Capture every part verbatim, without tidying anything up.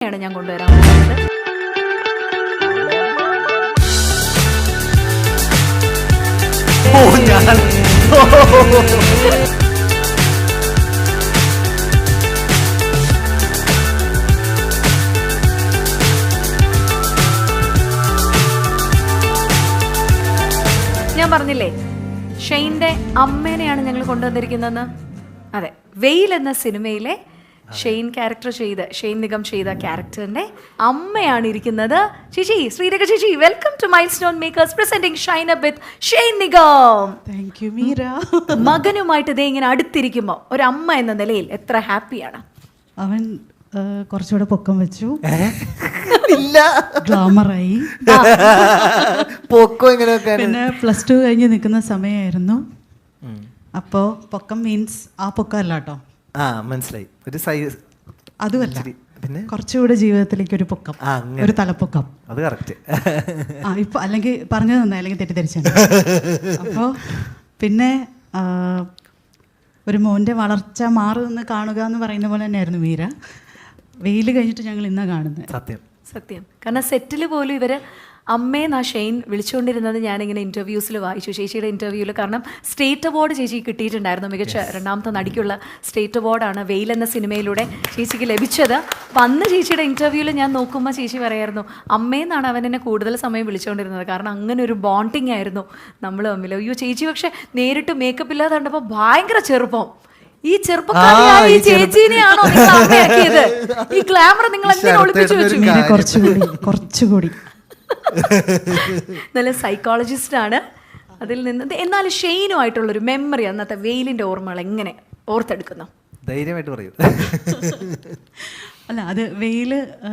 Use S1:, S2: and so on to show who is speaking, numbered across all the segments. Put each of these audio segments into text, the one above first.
S1: അമ്മേനെയാണ് ഞാൻ കൊണ്ടുവരാൻ പോകുന്നത്. ഞാൻ പറഞ്ഞില്ലേ ഷെയ്ൻ്റെ അമ്മേനെയാണ് ഞങ്ങൾ കൊണ്ടുവന്നിരിക്കുന്നതെന്ന്. അതെ, വെയിൽ എന്ന സിനിമയിലെ ഷെയ്ൻ ക്യാരക്ടർ ചെയ്ത് ഷെയ്ൻ നിഗം ചെയ്ത ക്യാരക്ടറിന്റെ അമ്മയാണ് ഇരിക്കുന്നത്. ചേച്ചി, ശ്രീരേഖ ചേച്ചി, welcome to milestone makers presenting shine up with Shane Nigam.
S2: Thank you Meera.
S1: മകനുമായിട്ട് ഇതേ ഇങ്ങനെ അടുത്തിരിക്കുമ്പോൾ ഒരു അമ്മ എന്ന നിലയിൽ എത്ര ഹാപ്പിയാണ്?
S2: അവൻ കുറച്ചുകൂടെ പൊക്കം വെച്ചു,
S3: ഇല്ല
S2: ഗ്ലാമറായി.
S3: പൊക്കം എങ്ങനെയൊക്കെ
S2: പിന്നെ പ്ലസ് ടു കഴിഞ്ഞ് നിൽക്കുന്ന സമയമായിരുന്നു. അപ്പോൾ പൊക്കം മീൻസ് ആ പൊക്കം അല്ല കേട്ടോ.
S3: ആ മനസ്സിലായി, ഒരു സൈസ്
S2: അതുമല്ല,
S3: പിന്നെ
S2: കുറച്ചുകൂടെ ജീവിതത്തിലേക്ക് ഒരു പൊക്കം, ഒരു തലപ്പൊക്കം.
S3: അത് കറക്റ്റ്.
S2: ആ ഇപ്പൊ അല്ലെങ്കിൽ പറഞ്ഞു തന്നാ അല്ലെങ്കിൽ തെറ്റിദ്ധരിച്ചു. അപ്പോൾ പിന്നെ ഒരു മോൻ്റെ വളർച്ച മാറുമെന്ന് കാണുക എന്ന് പറയുന്ന പോലെ തന്നെയായിരുന്നു മീര. വെയിൽ കഴിഞ്ഞിട്ട് ഞങ്ങൾ ഇന്നാ കാണുന്നത്.
S3: സത്യം
S1: സത്യം. കാരണം സെറ്റിൽ പോലും ഇവർ അമ്മേന്നാ ഷെയ്ൻ വിളിച്ചുകൊണ്ടിരുന്നത് ഞാനിങ്ങനെ ഇൻ്റർവ്യൂസിൽ വായിച്ചു, ചേച്ചിയുടെ ഇൻ്റർവ്യൂവിൽ. കാരണം സ്റ്റേറ്റ് അവാർഡ് ചേച്ചി കിട്ടിയിട്ടുണ്ടായിരുന്നു, മികച്ച രണ്ടാമത്തെ നടിക്കുള്ള സ്റ്റേറ്റ് അവാർഡാണ് വെയിൽ എന്ന സിനിമയിലൂടെ ചേച്ചിക്ക് ലഭിച്ചത്. അപ്പം അന്ന് ചേച്ചിയുടെ ഇൻ്റർവ്യൂവിൽ ഞാൻ നോക്കുമ്പോൾ ചേച്ചി പറയായിരുന്നു അമ്മേന്നാണ് അവൻ എന്നെ കൂടുതൽ സമയം വിളിച്ചുകൊണ്ടിരുന്നത്. കാരണം അങ്ങനെ ഒരു ബോണ്ടിങ് ആയിരുന്നു നമ്മൾ തമ്മിൽ. അയ്യോ ചേച്ചി പക്ഷെ നേരിട്ട് മേക്കപ്പ് ഇല്ലാതെ കണ്ടപ്പോൾ ഭയങ്കര ചെറുപ്പം. ഈ ചെറുപ്പക്കാരിയായ ഈ ചേച്ചീനെയാണോ നിങ്ങൾ അമ്മയാക്കിയത്? ഈ ഗ്ലാമർ നിങ്ങൾ എങ്ങനെ ഒളിപ്പിച്ചു വെച്ചു?
S2: കുറച്ചുകൂടി കുറച്ചുകൂടി
S1: നല്ല സൈക്കോളജിസ്റ്റ് ആണ്. അതിൽ നിന്ന് എന്നാലും ഷെയ്നുമായിട്ടുള്ളൊരു മെമ്മറി, അന്നത്തെ വെയിലിന്റെ ഓർമ്മകൾ എങ്ങനെ ഓർത്തെടുക്കുന്നു?
S3: ധൈര്യമായിട്ട് പറയൂ.
S2: അല്ല, അത് വെയിൽ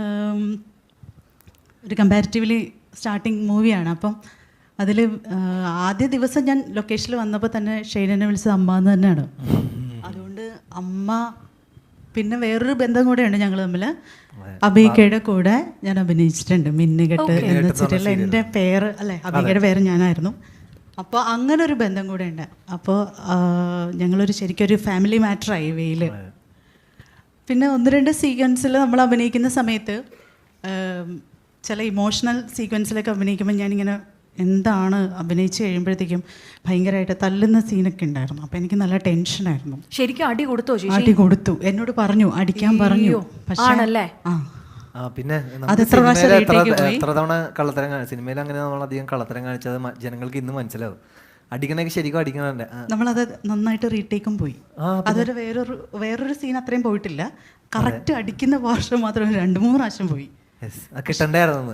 S2: ഒരു കമ്പാരിറ്റീവ്ലി സ്റ്റാർട്ടിങ് മൂവിയാണ്. അപ്പം അതിൽ ആദ്യ ദിവസം ഞാൻ ലൊക്കേഷനിൽ വന്നപ്പോൾ തന്നെ ഷെയ്നെ വിളിച്ചത് അമ്മ എന്ന് തന്നെയാണ്. അതുകൊണ്ട് അമ്മ, പിന്നെ വേറൊരു ബന്ധം കൂടെയുണ്ട് ഞങ്ങൾ തമ്മിൽ. അബികയുടെ കൂടെ ഞാൻ അഭിനയിച്ചിട്ടുണ്ട് മിന്നുകെട്ട് എന്ന സീരിയലിൽ. എൻ്റെ പേര് അല്ലേ, അബികയുടെ പേര് ഞാനായിരുന്നു. അപ്പോൾ അങ്ങനെ ഒരു ബന്ധം കൂടെ ഉണ്ട്. അപ്പോൾ ഞങ്ങളൊരു ശരിക്കൊരു ഫാമിലി മാറ്ററായി വെയിൽ. പിന്നെ ഒന്ന് രണ്ട് സീക്വൻസിൽ നമ്മൾ അഭിനയിക്കുന്ന സമയത്ത് ചില ഇമോഷണൽ സീക്വൻസിലൊക്കെ അഭിനയിക്കുമ്പോൾ ഞാനിങ്ങനെ എന്താണ് അഭിനയിച്ച് കഴിയുമ്പോഴത്തേക്കും ഭയങ്കരമായിട്ട് തല്ലുന്ന സീനൊക്കെ ഉണ്ടായിരുന്നു. അപ്പം എനിക്ക് നല്ല ടെൻഷനായിരുന്നു.
S1: ശരിക്കും അടി കൊടുത്തോ?
S2: അടി കൊടുത്തു, എന്നോട് പറഞ്ഞു അടിക്കാൻ പറഞ്ഞു. പക്ഷേ
S3: ആ പിന്നെ
S2: അതെത്ര പ്രാവശ്യം
S3: എത്ര തവണ കള്ളത്തരം കാണിച്ചു സിനിമയിൽ, അങ്ങനെ നമ്മൾ അധികം കള്ളത്തരം കാണിച്ചത് ജനങ്ങൾക്ക് ഇന്ന് മനസ്സിലാവും. അടിക്കണൊക്കെ ശരിക്കും അടിക്കണല്ലേ. നമ്മളത്
S2: നന്നായിട്ട് റീടേക്കും പോയി. അതൊരു വേറൊരു വേറൊരു സീൻ അത്രയും പോയിട്ടില്ല. കറക്റ്റ് അടിക്കുന്ന പോർഷൻ മാത്രം രണ്ട് മൂന്ന് പ്രാവശ്യം പോയി.
S3: കിട്ടണ്ടായിരുന്നു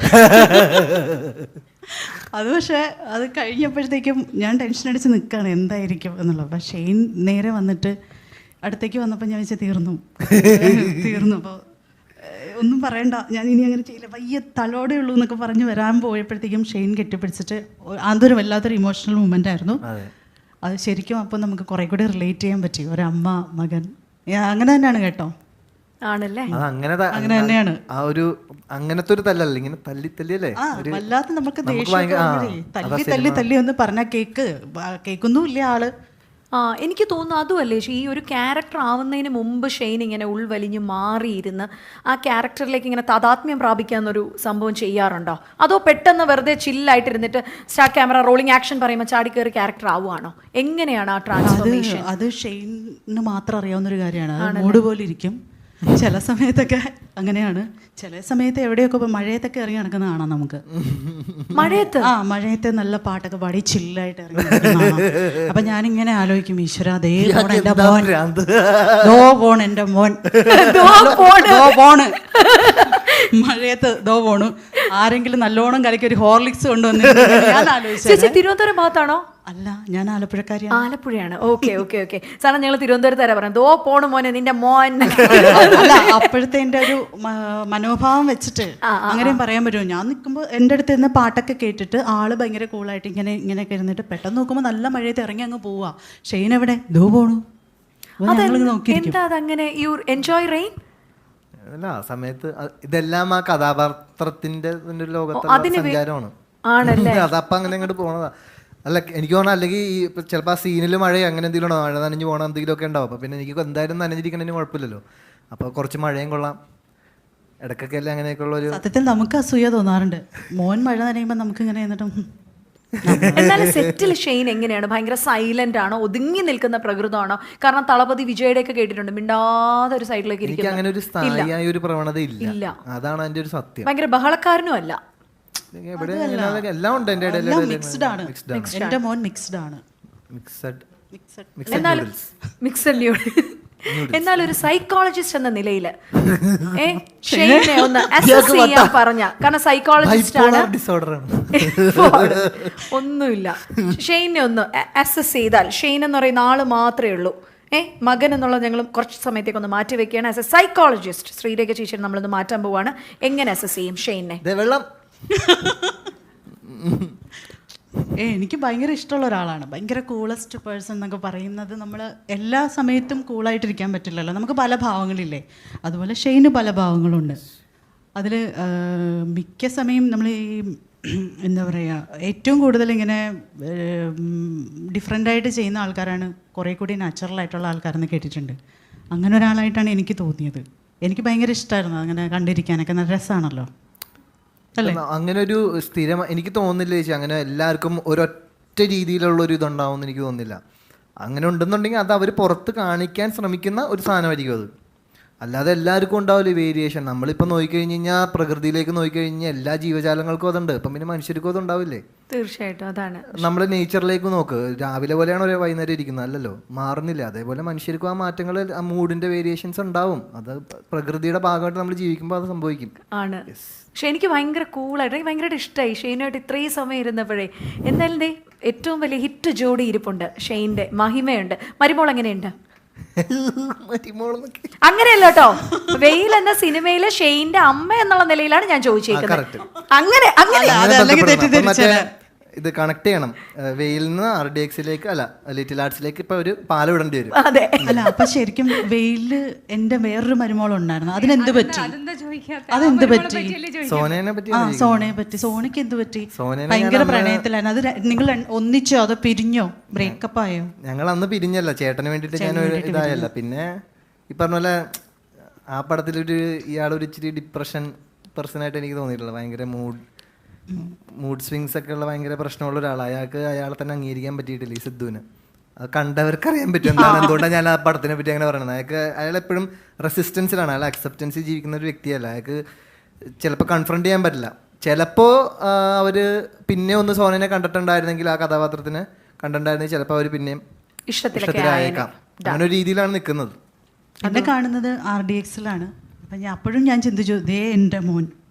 S2: അത്. പക്ഷേ അത് കഴിഞ്ഞപ്പോഴത്തേക്കും ഞാൻ ടെൻഷൻ അടിച്ച് നിൽക്കുകയാണ് എന്തായിരിക്കും എന്നുള്ളത്. പക്ഷേ ഷെയ്ൻ നേരെ വന്നിട്ട് അടുത്തേക്ക് വന്നപ്പോൾ ഞാൻ വെച്ചാൽ തീർന്നു തീർന്നു അപ്പോൾ ഒന്നും പറയണ്ട, ഞാൻ ഇനി അങ്ങനെ ചെയ്യില്ല, വയ്യ തലോടെ ഉള്ളൂ എന്നൊക്കെ പറഞ്ഞ് വരാൻ പോയപ്പോഴത്തേക്കും ഷെയ്ൻ കെട്ടിപ്പിടിച്ചിട്ട് അതൊരു വല്ലാത്തൊരു ഇമോഷണൽ മൂമെൻ്റ് ആയിരുന്നു അത് ശരിക്കും. അപ്പോൾ നമുക്ക് കുറേ കൂടി റിലേറ്റ് ചെയ്യാൻ പറ്റി, ഒരമ്മ മകൻ. അങ്ങനെ തന്നെയാണ് കേട്ടോ.
S1: ആണല്ലേ,
S3: അങ്ങനെ
S2: അങ്ങനെ തന്നെയാണ്.
S3: ആ ഒരു അങ്ങനത്തെ ഒരു തല്ലല്ല, ഇങ്ങനെ തല്ലി തല്ലിയല്ലേ
S2: വല്ലാത്ത നമുക്ക് തല്ലി തല്ലി തല്ലി ഒന്ന് പറഞ്ഞാൽ കേക്ക് കേൾക്കൊന്നും ഇല്ല ആള്.
S1: ആ എനിക്ക് തോന്നുന്നു അതുമല്ലേ ഈ ഒരു ക്യാരക്ടർ ആവുന്നതിന് മുമ്പ് ഷെയ്ൻ ഇങ്ങനെ ഉൾവലിഞ്ഞ് മാറിയിരുന്ന് ആ ക്യാരക്ടറിലേക്ക് ഇങ്ങനെ താതാത്മ്യം പ്രാപിക്കാന്നൊരു സംഭവം ചെയ്യാറുണ്ടോ? അതോ പെട്ടെന്ന് വെറുതെ ചില്ലായിട്ടിരുന്നിട്ട് സ്റ്റാർട്ട് ക്യാമറ റോളിംഗ് ആക്ഷൻ പറയുമ്പോൾ ചാടിക്കേറി ക്യാരക്ടർ ആവുകയാണോ? എങ്ങനെയാണ് ആ ട്രാൻസ്ഫോർമേഷൻ?
S2: അത് ഷെയ്ന് മാത്രം അറിയാവുന്നൊരു കാര്യമാണ്. മൂഡ് പോലെ ഇരിക്കും ചില സമയത്തൊക്കെ അങ്ങനെയാണ്. ചില സമയത്ത് എവിടെയൊക്കെ ഇപ്പോൾ മഴയത്തൊക്കെ ഇറങ്ങി നടക്കുന്ന കാണാം നമുക്ക്.
S1: മഴയത്ത്
S2: ആ മഴയത്ത് നല്ല പാട്ടൊക്കെ പാടി ചില്ലായിട്ട് ഇറങ്ങി നടക്കുന്ന. അപ്പം ഞാനിങ്ങനെ ആലോചിക്കും, ഈശ്വര ദേ പോൺ എൻ്റെ മോൻ, ദോ പോൺ എൻ്റെ മോൻ, ദോ പോണ് മഴയത്ത് ദോ പോണു. ആരെങ്കിലും നല്ലോണം കലക്കി ഒരു ഹോർലിക്സ് കൊണ്ടുവന്ന് ഞാൻ ആലോചിച്ചു.
S1: തിരുവനന്തപുരം ഭാഗത്താണോ?
S2: അല്ല, ഞാൻ ആലപ്പുഴക്കാരിയാണ്.
S1: ആലപ്പുഴയാണ്. ഓക്കെ ഓക്കെ ഓക്കെ സാറേ, ഞങ്ങൾ തിരുവനന്തപുരത്താരാ പറയാം ദോ പോണ് മോനെ നിന്റെ മോൻ.
S2: അല്ല, അപ്പോഴത്തെ എൻ്റെ ഒരു മനോഭാവം വെച്ചിട്ട് അങ്ങനെയും പറയാൻ പറ്റുമോ? ഞാൻ നിൽക്കുമ്പോൾ എൻ്റെ അടുത്ത് ഇരുന്ന് പാട്ടൊക്കെ കേട്ടിട്ട് ആള് ഭയങ്കര കൂളായിട്ട് ഇങ്ങനെ ഇങ്ങനെയൊക്കെ ഇരുന്നിട്ട് പെട്ടെന്ന് നോക്കുമ്പോൾ നല്ല മഴയത്ത് ഇറങ്ങി അങ്ങ് പോവാ. ഷെയ്ൻ എവിടെ? ദോ പോണു.
S1: എന്താ അതങ്ങനെ? You enjoy rain?
S3: അല്ല, ആ സമയത്ത് ഇതെല്ലാം ആ കഥാപാത്രത്തിന്റെ ലോകത്തുള്ള സഞ്ചാരമാണ്.
S1: ആണല്ലേ,
S3: അതപ്പം അങ്ങനെ അങ്ങോട്ട് പോണതാ. അല്ല, എനിക്ക് തോന്നാം അല്ലെങ്കിൽ ഈ ചിലപ്പോൾ ആ സീനിൽ മഴ അങ്ങനെ എന്തെങ്കിലും മഴ നനഞ്ഞ് പോകണം എന്തെങ്കിലും ഒക്കെ ഉണ്ടാവും. അപ്പോൾ പിന്നെ എനിക്ക് എന്തായാലും നനഞ്ഞിരിക്കണതിന് കുഴപ്പമില്ലല്ലോ. അപ്പോൾ കുറച്ച് മഴയും കൊള്ളാം, ഇടയ്ക്കൊക്കെ അല്ലേ അങ്ങനെയൊക്കെയുള്ള ഒരു
S2: സത്യത്തിൽ നമുക്ക് അസൂയ തോന്നാറുണ്ട്. മോൻ മഴ നനയുമ്പോൾ നമുക്ക് ഇങ്ങനെ എന്നിട്ടും
S1: എന്നാലും സെറ്റിൽ ഷെയ്ൻ എങ്ങനെയാണ്? ഭയങ്കര സൈലന്റ് ആണോ, ഒതുങ്ങി നിൽക്കുന്ന പ്രകൃതമാണോ? കാരണം തളപതി വിജയുടെ ഒക്കെ കേട്ടിട്ടുണ്ട്, മിണ്ടാതെ ഒരു സൈഡിലേക്ക്
S3: എനിക്ക് അങ്ങനെ ഒരു സ്ഥായിയായ ഒരു പ്രവണത ഇല്ല. അതാണ് അതിന്റെ ഒരു സത്യം.
S1: ഭയങ്കര ബഹളക്കാരനും അല്ല.
S3: എവിടെ എല്ലാം ഉണ്ട് എന്റെ ഇടയിൽ.
S2: മിക്സ്ഡ് ആണ്. എന്റെ മോൻ മിക്സ്ഡ് ആണ്.
S3: മിക്സഡ്
S1: എന്നാലും മിക്സഡ് ന്യൂഡിൽസ്. എന്നാൽ ഒരു സൈക്കോളജിസ്റ്റ് എന്ന നിലയിൽ ഷെയ്നെ ഒന്ന് അസസ് ചെയ്യാൻ പറഞ്ഞ, കാരണം സൈക്കോളജിസ്റ്റ് ആണ്, ഒന്നുമില്ല, ഷെയ്നെ ഒന്ന് അസസ് ചെയ്താൽ, ഷെയ്ൻ എന്ന് പറയുന്ന ആള് മാത്രമേ ഉള്ളൂ, ഏ മകൻ എന്നുള്ളത് ഞങ്ങൾ കുറച്ച് സമയത്തേക്ക് ഒന്ന് മാറ്റി വെക്കുകയാണ്. ആസ് എ സൈക്കോളജിസ്റ്റ് ശ്രീരേഖ ചേച്ചി നമ്മളൊന്ന് മാറ്റാൻ പോവാണ്. എങ്ങനെ അസസ് ചെയ്യും ഷെയ്നെ?
S3: വെള്ളം
S2: ഏ എനിക്ക് ഭയങ്കര ഇഷ്ടമുള്ള ഒരാളാണ്. ഭയങ്കര കൂളസ്റ്റ് പേഴ്സൺ എന്നൊക്കെ പറയുന്നത് നമ്മൾ എല്ലാ സമയത്തും കൂളായിട്ടിരിക്കാൻ പറ്റില്ലല്ലോ. നമുക്ക് പല ഭാവങ്ങളില്ലേ, അതുപോലെ ഷെയ്ന് പല ഭാവങ്ങളുണ്ട്. അതിൽ മിക്ക സമയം നമ്മൾ ഈ എന്താ പറയുക, ഏറ്റവും കൂടുതൽ ഇങ്ങനെ ഡിഫറെൻ്റായിട്ട് ചെയ്യുന്ന ആൾക്കാരാണ് കുറേ കൂടി നാച്ചുറലായിട്ടുള്ള ആൾക്കാരെന്ന് കേട്ടിട്ടുണ്ട്. അങ്ങനെ ഒരാളായിട്ടാണ് എനിക്ക് തോന്നിയത്. എനിക്ക് ഭയങ്കര ഇഷ്ടമായിരുന്നു അങ്ങനെ കണ്ടിരിക്കാനൊക്കെ. നല്ല രസമാണല്ലോ.
S3: അങ്ങനെ ഒരു സ്ഥിരം എനിക്ക് തോന്നുന്നില്ല ചേച്ചി, അങ്ങനെ എല്ലാവർക്കും ഒരൊറ്റ രീതിയിലുള്ള ഒരു ഇതുണ്ടാവും എന്ന് എനിക്ക് തോന്നുന്നില്ല. അങ്ങനെ ഉണ്ടെന്നുണ്ടെങ്കിൽ അത് അവർ പുറത്ത് കാണിക്കാൻ ശ്രമിക്കുന്ന ഒരു സാധനമായിരിക്കും അത്. അല്ലാതെ എല്ലാവർക്കും ഉണ്ടാവില്ല വേരിയേഷൻ. നമ്മളിപ്പോൾ നോക്കിക്കഴിഞ്ഞ് കഴിഞ്ഞാൽ പ്രകൃതിയിലേക്ക് നോക്കിക്കഴിഞ്ഞാൽ എല്ലാ ജീവജാലങ്ങൾക്കും അതുണ്ട്. ഇപ്പം പിന്നെ മനുഷ്യർക്കും അത് ഉണ്ടാവില്ലേ?
S1: തീർച്ചയായിട്ടും. അതാണ്
S3: നമ്മൾ നേച്ചറിലേക്ക് നോക്ക്, രാവിലെ പോലെയാണ് ഒരു വൈകുന്നേരം ഇരിക്കുന്നത്, അല്ലല്ലോ, മാറുന്നില്ല. അതേപോലെ മനുഷ്യർക്കും ആ മാറ്റങ്ങൾ, ആ മൂഡിന്റെ വേരിയേഷൻസ് ഉണ്ടാവും. അത് പ്രകൃതിയുടെ ഭാഗമായിട്ട് നമ്മൾ ജീവിക്കുമ്പോൾ അത് സംഭവിക്കും.
S1: ആണ്. പക്ഷെ എനിക്ക് ഭയങ്കര കൂളായിട്ട്, എനിക്ക് ഭയങ്കരമായിട്ട് ഇഷ്ടമായി ഷെയ്നുമായിട്ട് ഇത്രയും സമയം ഇരുന്നപ്പോഴേ. എന്തായാലും ദേ ഏറ്റവും വലിയ ഹിറ്റ് ജോഡി ഇരിപ്പുണ്ട് ഷെയ്ൻ്റെ. മഹിമയുണ്ട്. മരുമോൾ എങ്ങനെയുണ്ട്? അങ്ങനെയല്ല കേട്ടോ, വെയിൽ എന്ന സിനിമയിലെ ഷെയ്ന്റെ അമ്മ എന്നുള്ള നിലയിലാണ് ഞാൻ ചോദിച്ചേക്കുന്നത്. അങ്ങനെ അങ്ങനെ
S3: ഇത് കണക്ട് ചെയ്യണം. വെയിലിൽ നിന്ന് ആർ ഡി എക്സിലേക്ക് അല്ല ലിറ്റിൽ ആർട്സിലേക്ക് ഇപ്പൊ ഒരു പാലം ഇടേണ്ടി വരും.
S1: അതെ.
S2: അല്ല അപ്പൊ ശരിക്കും വെയില് എന്റെ വേറൊരു മരുമോളുണ്ടായിരുന്നു, അതിനെന്ത് പറ്റി? അതെന്ത് പറ്റി?
S3: സോനയെ പറ്റി.
S2: ആ സോണയെ പറ്റി. സോണയ്ക്ക് എന്ത് പറ്റി? ഭയങ്കര പ്രണയത്തിലായിരുന്നു. അത് നിങ്ങൾ ഒന്നിച്ചോ അതോ പിരിഞ്ഞോ, ബ്രേക്കപ്പ് ആയോ?
S3: ഞങ്ങൾ അന്ന് പിരിഞ്ഞല്ല, ചേട്ടന് വേണ്ടിട്ട് ഞാൻ ഇതായല്ല. പിന്നെ ഈ പറഞ്ഞ പോലെ ആ പടത്തിലൊരു ഇയാളൊരു ഇച്ചിരി ഡിപ്രഷൻ പേഴ്സണായിട്ട് എനിക്ക് തോന്നിയിട്ടുള്ളത്. ഭയങ്കര മൂഡ് മൂഡ് സ്വിങ്സ് ഒക്കെ ഉള്ള ഭയങ്കര പ്രശ്നമുള്ള ഒരാളാണ്. അയാൾക്ക് അയാളെ തന്നെ അംഗീകരിക്കാൻ പറ്റിയിട്ടില്ല, ഈ സിദ്ധുവിന്. അത് കണ്ടവർക്ക് അറിയാൻ പറ്റും എന്താണ്, എന്തുകൊണ്ടാണ് ഞാൻ ആ പടത്തിനെ പറ്റി അങ്ങനെ പറയുന്നത്. അയാൾക്ക് അയാൾ എപ്പോഴും റെസിസ്റ്റൻസിലാണ്, അയാൾ അക്സെപ്റ്റൻസിൽ ജീവിക്കുന്ന ഒരു വ്യക്തിയല്ല. അയാൾക്ക് ചിലപ്പോൾ കൺഫ്രണ്ട് ചെയ്യാൻ പറ്റില്ല. ചിലപ്പോൾ അവർ പിന്നെ ഒന്ന് സോനനെ കണ്ടിട്ടുണ്ടായിരുന്നെങ്കിൽ, ആ കഥാപാത്രത്തിന് കണ്ടിട്ടുണ്ടായിരുന്നെങ്കിൽ ചിലപ്പോൾ അവർ പിന്നെയും ഇഷ്ടത്തിലായേക്കാം. അങ്ങനെ ഒരു രീതിയിലാണ് നിൽക്കുന്നത്.
S2: എന്നെ കാണുന്നത് ആർ ഡി എക്സിലാണ്. അപ്പം ഞാൻ അപ്പോഴും ഞാൻ ചിന്തിച്ചു, ദേ എൻ്റെ മോൻ